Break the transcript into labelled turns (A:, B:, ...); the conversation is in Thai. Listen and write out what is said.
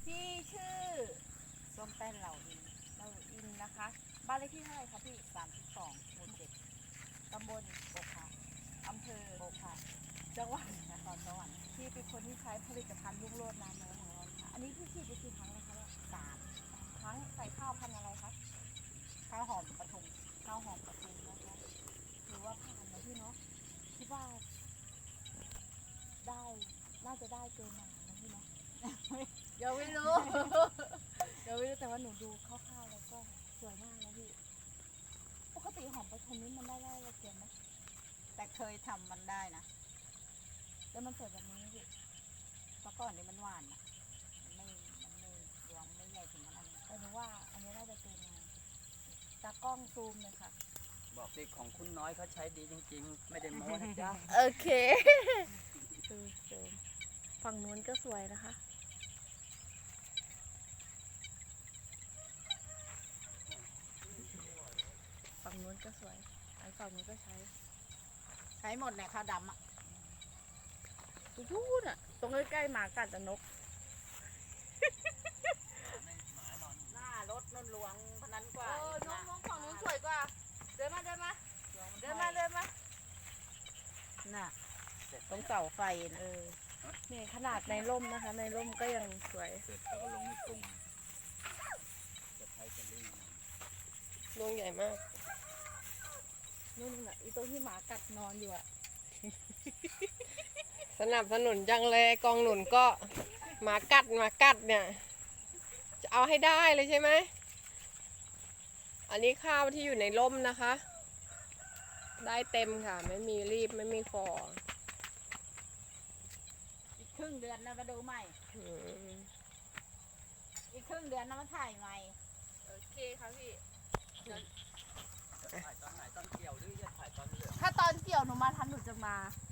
A: พี่ชื่อส้มแป้นเหล่าอินนะคะ บ้านเลขที่เท่าไหร่คะพี่32 หมู่ 7ตำบลโป่งค่ะอำเภอโป่งค่ะจังหวัดนครสวรรค์พี่เป็นคนที่ใช้ผลิตภัณฑ์ลูกโลดน้ำเนื้อของเราค่ะอันนี้พี่ฉีดไปกี่ครั้งแล้วคะเนี่ย3 ครั้งใส่ข้าวพันธุ์อะไรคะข้าวหอมปทุมนะคะหรือว่าผ่านนะพี่เนาะคิดว่าได้น่าจะได้เกินมานะพี่เนาะ ยังไม่รู้ แต่ว่าหนูดูคร่าวๆแล้วก็สวยมากนะพี่ปกติหอมปทุมนี้มันได้ละเกียนไหม
B: แต่เคยทำมันได้นะ
A: แล้วมันสวยแบบนี้พี่
B: เพราะก่อนนี้มันหวานนะมันไม่รวงไม่ใหญ่ถึงขนาดนี้
A: แต่หนูว่าอันนี้น่าจะเกินมาตากล้องซูมเลยค่ะ
C: บอกสิของคุณน้อยเขาใช้ดีจริงๆ ไม่ได้โม้นะจ๊ะ
A: โอเคซูมฝั่งนู้นก็สวยนะคะฝั่งนู้นก็สวยไอ้ฝั่งนู้นก็ใช้
B: หมดแหละข้าวดำอ่ะ
A: ทูดอ่ะตรงใกล้ๆหมากัดแต่นก
B: หน้ารถนุ่นหลวงพนันกว่า
A: น้องฝั่งนู้นสวยกว่าเดินมา
B: น่ะตรงเสาไฟนะ
A: นี่ขนาดในร่มนะคะ ในร่มก็ยังสวย
C: เสร็จแล้วก็ลงในกรุงจะใช้จะรีบ
D: ดวงใหญ่มาก
A: นู่นน่ะอีตรงที่หมากัดนอนอยู่อ่ะ
D: สนับสนุนจังเลยกองหนุนก็หมากัดเนี่ย จะเอาให้ได้เลยใช่ไหม อันนี้ข้าวที่อยู่ในร่มนะคะ ได้เต็มค่ะ ไม่มีรีบไม่มีฟอ
B: อีกครึ่งเดือนนะมาดูใหม่
D: อืม
B: อีกครึ่งเดือนนะมาถ่ายใหม่
A: โอเคค่ะพี่
C: จะถ่ายตอนไหนตอนเกี่ยวหรือจะถ่ายตอนเหลือง
A: ถ้าตอนเกี่ยวหนูมาทันหนูจะมา